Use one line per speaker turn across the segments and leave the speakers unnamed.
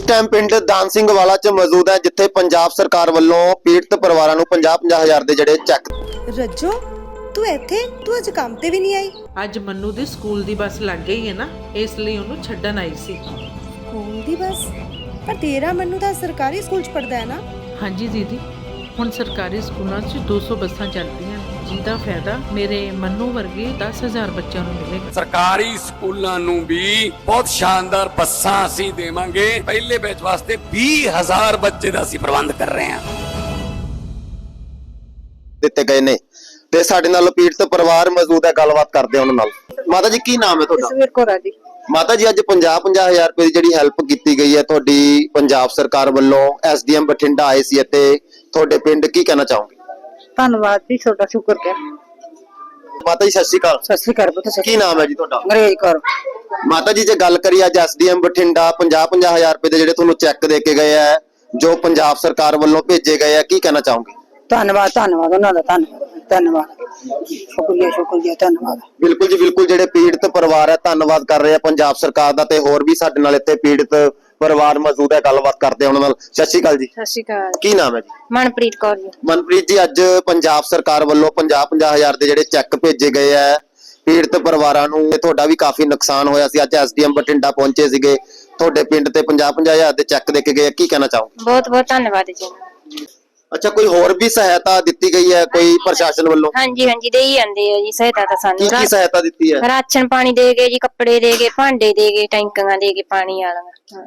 Time पिंड दान सिंह वाला च मौजूद है जिथे पंजाब सरकार वालों पीड़ित परिवारों को 50-50 हज़ार के जिहड़े चैक।
रज्जो तू इत्थे तू अज काम ते भी नहीं आई।
ਅੱਜ ਮੰਨੂ ਦੀ ਸਕੂਲ ਦੀ ਬੱਸ ਲੱਗ ਗਈ ਹੈ ਨਾ, ਇਸ ਲਈ ਉਹਨੂੰ ਛੱਡਣ ਆਈ ਸੀ।
ਸਕੂਲ ਦੀ ਬਸ ਪਰ ਤੇਰਾ ਮੰਨੂ ਤਾਂ ਸਰਕਾਰੀ ਸਕੂਲ ਚ ਪੜਦਾ ਹੈ ਨਾ।
ਹਾਂਜੀ ਦੀਦੀ, ਹੁਣ ਸਰਕਾਰੀ ਸਕੂਲਾਂ 'ਚ 200 ਬੱਸਾਂ ਚੱਲਦੀਆਂ ਜਿਹਦਾ ਫਾਇਦਾ ਮੇਰੇ ਮੰਨੂ ਵਰਗੇ 10,000 ਬੱਚਿਆਂ ਨੂੰ ਮਿਲੇਗਾ।
ਸਰਕਾਰੀ ਸਕੂਲਾਂ ਨੂੰ ਵੀ ਬਹੁਤ ਸ਼ਾਨਦਾਰ ਬੱਸਾਂ ਅਸੀਂ ਦੇਵਾਂਗੇ। ਪਹਿਲੇ ਬੈਚ ਵਾਸਤੇ 20,000 ਬੱਚੇ ਦਾ ਅਸੀਂ ਪ੍ਰਬੰਧ ਕਰ ਰਹੇ ਹਾਂ।
ਦਿੱਤੇ ਗਏ ਨੇ ਤੇ ਸਾਡੇ ਨਾਲ ਪੀੜਤ ਪਰਿਵਾਰ ਮੌਜੂਦ ਹੈ, ਗੱਲਬਾਤ ਕਰਦੇ ਹਾਂ ਉਹਨਾਂ ਨਾਲ। ਮਾਤਾ ਜੀ ਕੀ ਨਾਮ ਹੈ ਤੁਹਾਡਾ?
ਜਸਵੀਰ ਕੌਰ ਆ ਜੀ।
ਮਾਤਾ ਜੀ ਅੱਜ 50-50 ਹਜ਼ਾਰ ਰੁਪਏ ਦੀ ਜਿਹੜੀ ਹੈਲਪ ਕੀਤੀ ਗਈ ਹੈ ਤੁਹਾਡੀ ਪੰਜਾਬ ਸਰਕਾਰ ਵੱਲੋਂ, ਐਸਡੀਐਮ ਬਠਿੰਡਾ ਆਏ ਸੀ ਅਤੇ ਤੁਹਾਡੇ ਪਿੰਡ, ਕੀ ਕਹਿਣਾ ਚਾਹੋਗੇ?
ਧੰਨਵਾਦ ਜੀ, ਤੁਹਾਡਾ ਸ਼ੁਕਰ ਕਰ।
ਮਾਤਾ ਜੀ ਸਤਿ ਸ਼੍ਰੀ ਅਕਾਲ।
ਸਤਿ ਸ਼੍ਰੀ ਅਕਾਲ ਪੁੱਤ।
ਕੀ ਨਾਮ ਹੈ ਜੀ ਤੁਹਾਡਾ?
ਅੰਗਰੇਜ਼ ਕੌਰ।
ਮਾਤਾ ਜੀ ਜੇ ਗੱਲ ਕਰੀਏ ਅੱਜ ਐਸਡੀਐਮ ਬਠਿੰਡਾ 50-50 ਹਜ਼ਾਰ ਰੁਪਏ ਦੇ ਜਿਹੜੇ ਤੁਹਾਨੂੰ ਚੈੱਕ ਦੇ ਕੇ ਗਏ ਆ, ਜੋ ਪੰਜਾਬ ਸਰਕਾਰ ਵੱਲੋਂ ਭੇਜੇ ਗਏ ਆ, ਕੀ ਕਹਿਣਾ ਚਾਹੋਗੇ?
ਧੰਨਵਾਦ ਧੰਨਵਾਦ ਉਹਨਾਂ ਦਾ, ਧੰਨਵਾਦ ਸ਼ੁਕਰੀਆ ਧੰਨਵਾਦ।
ਬਿਲਕੁਲ ਜੀ ਬਿਲਕੁਲ, ਜਿਹੜੇ ਪੀੜਤ ਪਰਿਵਾਰ ਹੈ ਧੰਨਵਾਦ ਕਰ ਰਹੇ ਆ ਪੰਜਾਬ ਸਰਕਾਰ ਦਾ, ਤੇ ਹੋਰ ਵੀ ਸਾਡੇ ਨਾਲ ਇੱਥੇ ਪੀੜਤ ਪਰਿਵਾਰ ਮੌਜੂਦ ਹੈ, ਗੱਲਬਾਤ ਕਰਦੇ ਆ ਉਹਨਾਂ ਨਾਲ। ਸਤਿ ਸ਼੍ਰੀ ਅਕਾਲ ਜੀ।
ਸਤਿ ਸ਼੍ਰੀ ਅਕਾਲ।
ਕੀ ਨਾਮ ਹੈ ਜੀ?
ਮਨਪ੍ਰੀਤ ਕੌਰ ਜੀ।
ਮਨਪ੍ਰੀਤ ਜੀ, ਅੱਜ ਪੰਜਾਬ ਸਰਕਾਰ ਵੱਲੋਂ 50-50 ਹਜ਼ਾਰ ਦੇ ਜਿਹੜੇ ਚੈੱਕ ਭੇਜੇ ਗਏ ਆ ਪੀੜਤ ਪਰਿਵਾਰਾਂ ਨੂੰ, ਤੇ ਤੁਹਾਡਾ ਵੀ ਕਾਫੀ ਨੁਕਸਾਨ ਹੋਇਆ ਸੀ। ਅੱਜ ਐਸਡੀਐਮ ਬਠਿੰਡਾ ਪਹੁੰਚੇ ਸੀਗੇ ਤੁਹਾਡੇ ਪਿੰਡ ਤੇ 50-50 ਹਜ਼ਾਰ ਦੇ ਚੈੱਕ ਦੇ ਕੇ ਗਏ, ਕੀ ਕਹਿਣਾ ਚਾਹੋਗੇ?
ਬਹੁਤ ਬਹੁਤ ਧੰਨਵਾਦ ਜੀ।
ਅੱਛਾ, ਕੋਈ ਹੋਰ ਵੀ ਸਹਾਇਤਾ ਦਿੱਤੀ ਗਈ ਹੈ ਕੋਈ ਪ੍ਰਸ਼ਾਸਨ ਵੱਲੋਂ?
ਹਾਂਜੀ ਹਾਂਜੀ, ਦੇ ਹੀ ਜਾਂਦੇ ਆ ਜੀ ਸਹਾਇਤਾ ਤਾਂ ਸਾਨੂੰ।
ਕੀ ਸਹਾਇਤਾ ਦਿੱਤੀ ਹੈ?
ਰਾਸ਼ਨ ਪਾਣੀ ਦੇ ਗਏ ਜੀ, ਕੱਪੜੇ ਦੇ ਗਏ, ਭਾਂਡੇ ਦੇ ਗਏ, ਟੈਂਕੀਆਂ ਦੇ ਗਏ ਪਾਣੀ ਵਾਲੀਆਂ।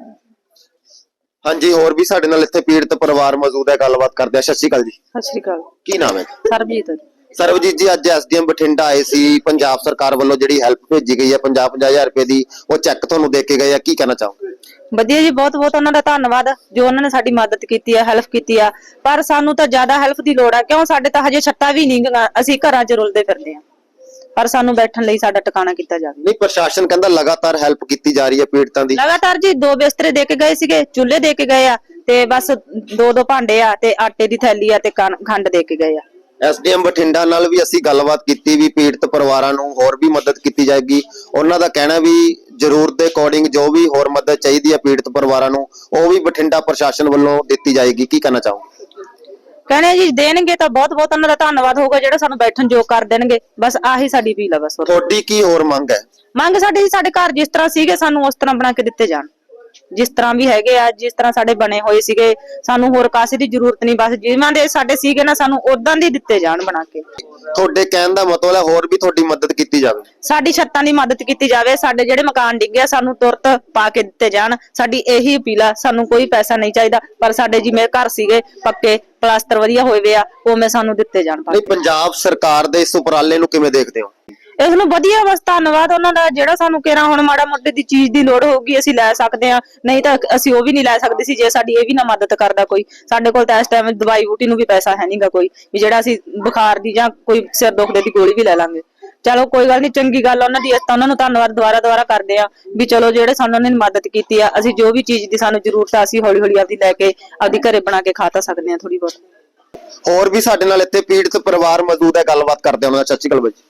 ਹਾਂਜੀ, ਹੋਰ ਵੀ ਸਾਡੇ ਨਾਲ ਇੱਥੇ ਪੀੜਤ ਪਰਿਵਾਰ ਮੌਜੂਦ ਹੈ, ਗੱਲਬਾਤ ਕਰਦੇ ਆ। ਸਤਿ ਸ਼੍ਰੀ ਅਕਾਲ ਜੀ।
ਸਤਿ ਸ਼੍ਰੀ ਅਕਾਲ।
ਕੀ ਨਾਮ ਹੈ?
ਸਰਬਜੀਤ।
ਸਰਬਜੀਤ ਜੀ, ਅੱਜ ਐਸਡੀਐਮ ਬਠਿੰਡਾ ਆਏ ਸੀ, ਪੰਜਾਬ ਸਰਕਾਰ ਵੱਲੋਂ ਜਿਹੜੀ ਹੈਲਪ ਭੇਜੀ ਗਈ ਹੈ 50-50 ਹਜ਼ਾਰ ਰੁਪਏ ਦੀ, ਉਹ ਚੈੱਕ ਤੁਹਾਨੂੰ ਦੇ ਕੇ ਗਏ ਆ, ਕੀ ਕਹਿਣਾ ਚਾਹੋਗੇ?
ਵਧੀਆ ਜੀ, ਬਹੁਤ ਬਹੁਤ ਉਹਨਾਂ ਦਾ ਧੰਨਵਾਦ ਜੋ ਉਹਨਾਂ ਨੇ ਸਾਡੀ ਮਦਦ ਕੀਤੀ ਆ, ਹੈਲਪ ਕੀਤੀ ਆ। ਪਰ ਸਾਨੂੰ ਤਾਂ ਜ਼ਿਆਦਾ ਹੈਲਪ ਦੀ ਲੋੜ ਆ, ਕਿਉਂ ਸਾਡੇ ਤਾਂ ਹਜੇ ਛੱਤਾਂ ਵੀ ਨਹੀਂ, ਅਸੀਂ ਘਰਾਂ 'ਚ ਰੁਲਦੇ ਫਿਰਦੇ ਆ। ਪਰ ਸਾਨੂੰ ਬੈਠਣ ਲਈ ਸਾਡਾ ਟਿਕਾਣਾ ਕੀਤਾ ਜਾਵੇ।
ਨਹੀਂ, ਪ੍ਰਸ਼ਾਸਨ ਕਹਿੰਦਾ ਲਗਾਤਾਰ ਹੈਲਪ ਕੀਤੀ ਜਾ ਰਹੀ ਹੈ ਪੀੜਤਾਂ ਦੀ।
ਲਗਾਤਾਰ ਜੀ 2 ਬਿਸਤਰੇ ਦੇ ਕੇ ਗਏ ਸੀਗੇ, ਚੁੱਲ੍ਹੇ ਦੇ ਕੇ ਗਏ ਆ, ਤੇ ਬਸ 2 ਭਾਂਡੇ ਆ, ਤੇ ਆਟੇ ਦੀ ਥੈਲੀ ਆ, ਤੇ ਖੰਡ ਦੇ ਕੇ ਗਏ ਆ।
ਐਸਡੀਐਮ ਬਠਿੰਡਾ ਨਾਲ ਵੀ ਅਸੀਂ ਗੱਲਬਾਤ ਕੀਤੀ ਵੀ ਪੀੜਤ ਪਰਿਵਾਰਾਂ ਨੂੰ ਹੋਰ ਵੀ ਮਦਦ ਕੀਤੀ ਜਾਏਗੀ। ਉਹਨਾਂ ਦਾ ਕਹਿਣਾ ਵੀ ਜ਼ਰੂਰਤ ਦੇ ਅਕੋਰਡਿੰਗ ਜੋ ਵੀ ਹੋਰ ਮਦਦ ਚਾਹੀਦੀ ਹੈ ਪੀੜਤ ਪਰਿਵਾਰਾਂ ਨੂੰ, ਉਹ ਵੀ ਬਠਿੰਡਾ ਪ੍ਰਸ਼ਾਸਨ ਵੱਲੋਂ ਦਿੱਤੀ ਜਾਏਗੀ, ਕੀ ਕਹਿਣਾ ਚਾਹੋਗੇ?
ਕਹਿੰਦੇ ਜੀ ਦੇਣਗੇ ਤਾਂ ਬਹੁਤ ਬਹੁਤ ਉਹਨਾਂ ਦਾ ਧੰਨਵਾਦ ਹੋਊਗਾ, ਜਿਹੜਾ ਸਾਨੂੰ ਬੈਠਣ ਯੋਗ ਕਰ ਦੇਣਗੇ। ਬਸ ਆਹੀ ਸਾਡੀ ਅਪੀਲ ਆ। ਬਸ
ਤੁਹਾਡੀ ਕੀ ਹੋਰ ਮੰਗ ਹੈ?
ਮੰਗ ਸਾਡੀ ਸਾਡੇ ਘਰ ਜਿਸ ਤਰ੍ਹਾਂ ਸੀਗੇ ਸਾਨੂੰ ਉਸ ਤਰ੍ਹਾਂ ਬਣਾ ਕੇ ਦਿੱਤੇ ਜਾਣ, ਜਿਸ ਤਰ੍ਹਾਂ ਵੀ ਹੈਗੇ ਆ, ਜਿਸ ਤਰ੍ਹਾਂ ਸਾਡੇ ਬਣੇ ਹੋਏ ਸੀਗੇ। ਸਾਨੂੰ ਹੋਰ ਕਾਸੇ ਦੀ ਜ਼ਰੂਰਤ ਨਹੀਂ, ਬਸ ਜਿਵੇਂ ਦੇ ਸਾਡੇ ਸੀਗੇ ਨਾ ਸਾਨੂੰ ਉਦਾਂ ਦੇ ਦਿੱਤੇ ਜਾਣ ਬਣਾ ਕੇ।
ਤੁਹਾਡੇ ਕਹਿਣ ਦਾ ਮਤਲਬ ਹੈ ਹੋਰ ਵੀ ਤੁਹਾਡੀ ਮਦਦ ਕੀਤੀ ਜਾਵੇ?
ਸਾਡੀ ਛੱਤਾਂ ਦੀ ਮਦਦ ਕੀਤੀ ਜਾਵੇ, ਸਾਡੇ ਜਿਹੜੇ ਮਕਾਨ ਡਿੱਗੇ ਆ ਸਾਨੂੰ ਤੁਰਤ ਪਾ ਕੇ ਦਿੱਤੇ ਜਾਣ, ਸਾਡੀ ਇਹੀ ਅਪੀਲ ਆ। ਸਾਨੂੰ ਕੋਈ ਪੈਸਾ ਨਹੀਂ ਚਾਹੀਦਾ, ਪਰ ਸਾਡੇ ਜਿਵੇਂ ਘਰ ਸੀਗੇ ਪੱਕੇ ਪਲਾਸਟਰ ਵਧੀਆ ਹੋਏ ਵੇ ਆ, ਉਵੇਂ ਸਾਨੂੰ ਦਿੱਤੇ ਜਾਣ।
ਨਹੀਂ, ਪੰਜਾਬ ਸਰਕਾਰ ਦੇ ਇਸ ਉਪਰਾਲੇ ਨੂੰ ਕਿਵੇਂ ਦੇਖਦੇ ਹੋ?
ਇਸ ਨੂੰ ਵਧੀਆ, ਬਸ ਧੰਨਵਾਦ ਉਹਨਾਂ ਦਾ, ਜਿਹੜਾ ਸਾਨੂੰ ਕਿਹੜਾ ਹੁਣ ਮਾੜਾ ਮੋਟੇ ਦੀ ਚੀਜ਼ ਦੀ ਲੋੜ ਹੋਊਗੀ ਅਸੀਂ ਲੈ ਸਕਦੇ ਆ, ਨਹੀਂ ਤਾਂ ਅਸੀਂ ਉਹ ਵੀ ਨਹੀਂ ਲੈ ਸਕਦੇ ਸੀ ਜੇ ਸਾਡੀ ਇਹ ਵੀ ਨਾ ਮਦਦ ਕਰਦਾ ਕੋਈ। ਸਾਡੇ ਕੋਲ ਤਾਂ ਇਸ ਟਾਈਮ ਦਵਾਈ ਬੂਟੀ ਨੂੰ ਵੀ ਪੈਸਾ ਹੈ ਨਹੀਂਗਾ ਕੋਈ, ਵੀ ਜਿਹੜਾ ਅਸੀਂ ਬੁਖਾਰ ਦੀ ਜਾਂ ਕੋਈ ਸਿਰ ਦੁਖਦੇ ਦੀ ਗੋਲੀ ਵੀ ਲੈ ਲਾਂਗੇ। ਚਲੋ ਕੋਈ ਗੱਲ ਨਹੀਂ, ਚੰਗੀ ਗੱਲ ਉਹਨਾਂ ਦੀ, ਤਾਂ ਉਹਨਾਂ ਨੂੰ ਧੰਨਵਾਦ ਦੁਬਾਰਾ ਕਰਦੇ ਆ ਵੀ ਚਲੋ ਜਿਹੜੇ ਸਾਨੂੰ ਉਹਨਾਂ ਨੇ ਮਦਦ ਕੀਤੀ ਆ। ਅਸੀਂ ਜੋ ਵੀ ਚੀਜ਼ ਦੀ ਸਾਨੂੰ ਜ਼ਰੂਰਤ ਆ ਅਸੀਂ ਹੌਲੀ ਹੌਲੀ ਆਪਦੀ ਲੈ ਕੇ ਆਪਦੀ ਘਰੇ ਬਣਾ ਕੇ ਖਾ ਤਾਂ ਸਕਦੇ ਆ ਥੋੜੀ ਬਹੁਤ।
ਹੋਰ ਵੀ ਸਾਡੇ ਨਾਲ ਇੱਥੇ ਪੀੜਤ ਪਰਿਵਾਰ ਮੌਜੂਦ ਹੈ, ਗੱਲਬਾਤ ਕਰਦੇ ਉਹਨਾਂ ਦਾ। ਸਤਿ ਸ਼੍ਰੀ ਅਕਾਲ ਬਾਈ,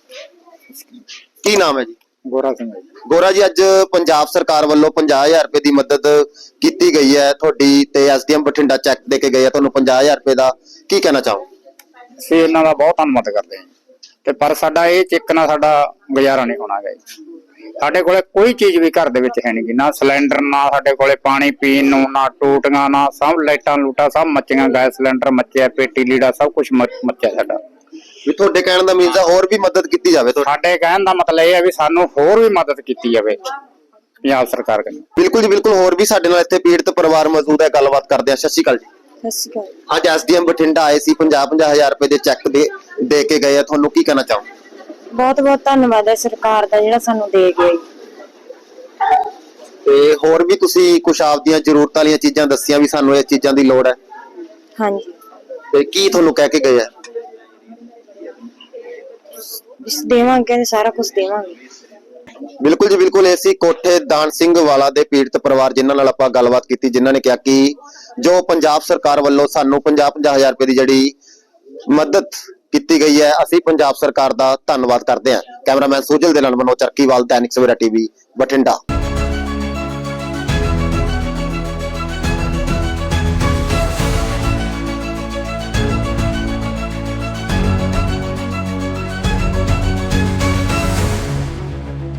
ਕੀ ਨਾਮ ਹੈ ਜੀ?
ਗੋਰਾ ਸਿੰਘ।
ਗੋਰਾ ਜੀ, ਅੱਜ ਪੰਜਾਬ ਸਰਕਾਰ ਵੱਲੋਂ 50,000 ਰੁਪਏ ਦੀ ਮਦਦ ਕੀਤੀ ਗਈ ਹੈ ਤੁਹਾਡੀ, ਤੇ ਐਸਡੀਐਮ ਬਠਿੰਡਾ ਚੈੱਕ ਦੇ ਕੇ ਗਏ ਆ ਤੁਹਾਨੂੰ 50,000 ਰੁਪਏ ਦਾ, ਕੀ ਕਹਿਣਾ ਚਾਹੋ?
ਅਸੀਂ ਇਹਨਾਂ ਦਾ ਬਹੁਤ ਧੰਨਵਾਦ ਕਰਦੇ ਹਾਂ, ਤੇ ਪਰ ਸਾਡਾ ਇਹ ਚੈੱਕ ਨਾਲ ਸਾਡਾ ਗੁਜ਼ਾਰਾ ਨਹੀਂ ਹੋਣਾ ਗਾ। ਸਾਡੇ ਕੋਲੇ ਕੋਈ ਚੀਜ਼ ਵੀ ਘਰ ਦੇ ਵਿੱਚ ਹੈ ਨਹੀਂ, ਨਾ ਸਿਲੰਡਰ, ਨਾ ਸਾਡੇ ਕੋਲੇ ਪਾਣੀ ਪੀਣ ਨੂੰ, ਨਾ ਟੂਟੀਆਂ, ਨਾ ਸਭ ਲਾਈਟਾਂ ਲੂਟਾਂ ਸਭ ਮੱਚੀਆਂ, ਗੈਸ ਸਿਲੰਡਰ ਮੱਚਿਆ, ਪੇਟੀ ਲੀੜਾ ਸਭ ਕੁਝ ਮੱਚਿਆ ਸਾਡਾ।
ਵੀ ਤੁਹਾਡੇ ਕਹਿਣ ਦਾ ਮੀਨਸ ਹੋਰ ਵੀ ਮਦਦ ਕੀਤੀ ਜਾਵੇ?
ਸਾਡੇ ਕਹਿਣ ਦਾ ਮਤਲਬ ਇਹ ਹੈ ਵੀ ਸਾਨੂੰ ਹੋਰ ਵੀ ਮਦਦ ਕੀਤੀ ਜਾਵੇ ਪੰਜਾਬ ਸਰਕਾਰ ਵੱਲੋਂ।
ਬਿਲਕੁਲ ਜੀ ਬਿਲਕੁਲ, ਹੋਰ ਵੀ ਸਾਡੇ ਨਾਲ ਇੱਥੇ ਪੀੜਤ ਪਰਿਵਾਰ ਮੌਜੂਦ ਹੈ, ਗੱਲਬਾਤ ਕਰਦੇ ਆ। ਸਤਿ ਸ਼੍ਰੀ ਅਕਾਲ ਜੀ।
ਸਤਿ ਸ਼੍ਰੀ ਅਕਾਲ।
ਅੱਜ ਐਸਡੀਐਮ ਬਠਿੰਡਾ ਆਏ ਸੀ, 50-50 ਹਜ਼ਾਰ ਰੁਪਏ ਦੇ ਚੈੱਕ ਦੇ ਕੇ ਗਏ ਆ, ਤੁਹਾਨੂੰ ਕੀ ਕਹਿਣਾ ਚਾਹੋ?
ਬਹੁਤ ਬਹੁਤ ਧੰਨਵਾਦ ਹੈ ਸਰਕਾਰ ਦਾ ਜਿਹੜਾ ਸਾਨੂੰ ਦੇ ਗਿਆ।
ਤੇ ਹੋਰ ਵੀ ਤੁਸੀਂ ਕੁਝ ਆਪਦੀਆਂ ਜ਼ਰੂਰਤਾਂ ਵਾਲੀਆਂ ਚੀਜ਼ਾਂ ਦੱਸੀਆਂ ਵੀ ਸਾਨੂੰ ਇਹ ਚੀਜ਼ਾਂ ਦੀ ਲੋੜ ਹੈ?
ਹਾਂਜੀ।
ਤੇ ਕੀ ਤੁਹਾਨੂੰ ਕਹਿ ਕੇ ਗਏ ਆ?
ਦੇਵਾਂਗੇ, ਸਾਰਾ ਕੁਝ ਦੇਵਾਂਗੇ।
ਬਿਲਕੁਲ ਜੀ ਬਿਲकुल, ਐਸੀ ਕੋਠੇ ਦਾਨ ਸਿੰਘ ਵਾਲਾ ਦੇ ਪੀੜਤ ਪਰਿਵਾਰ ਜਿਨ੍ਹਾਂ ਨਾਲ ਆਪਾਂ ਗੱਲਬਾਤ ਕੀਤੀ, ਜਿਨ੍ਹਾਂ ਨੇ ਕਿਹਾ ਕਿ ਜੋ ਪੰਜਾਬ ਸਰਕਾਰ ਵੱਲੋਂ ਸਾਨੂੰ 50-50 ਹਜ਼ਾਰ ਰੁਪਏ ਦੀ ਜਿਹੜੀ ਮਦਦ ਕੀਤੀ ਗਈ ਹੈ, ਅਸੀਂ ਪੰਜਾਬ ਸਰਕਾਰ ਦਾ ਧੰਨਵਾਦ ਕਰਦੇ ਹਾਂ। ਕੈਮਰਾਮੈਨ ਸੁਜਲ ਦੇ ਨਾਲ ਮਨੋਜ ਚਰਕੀਵਾਲ, दैनिक सवेरा टीवी, बठिंडा।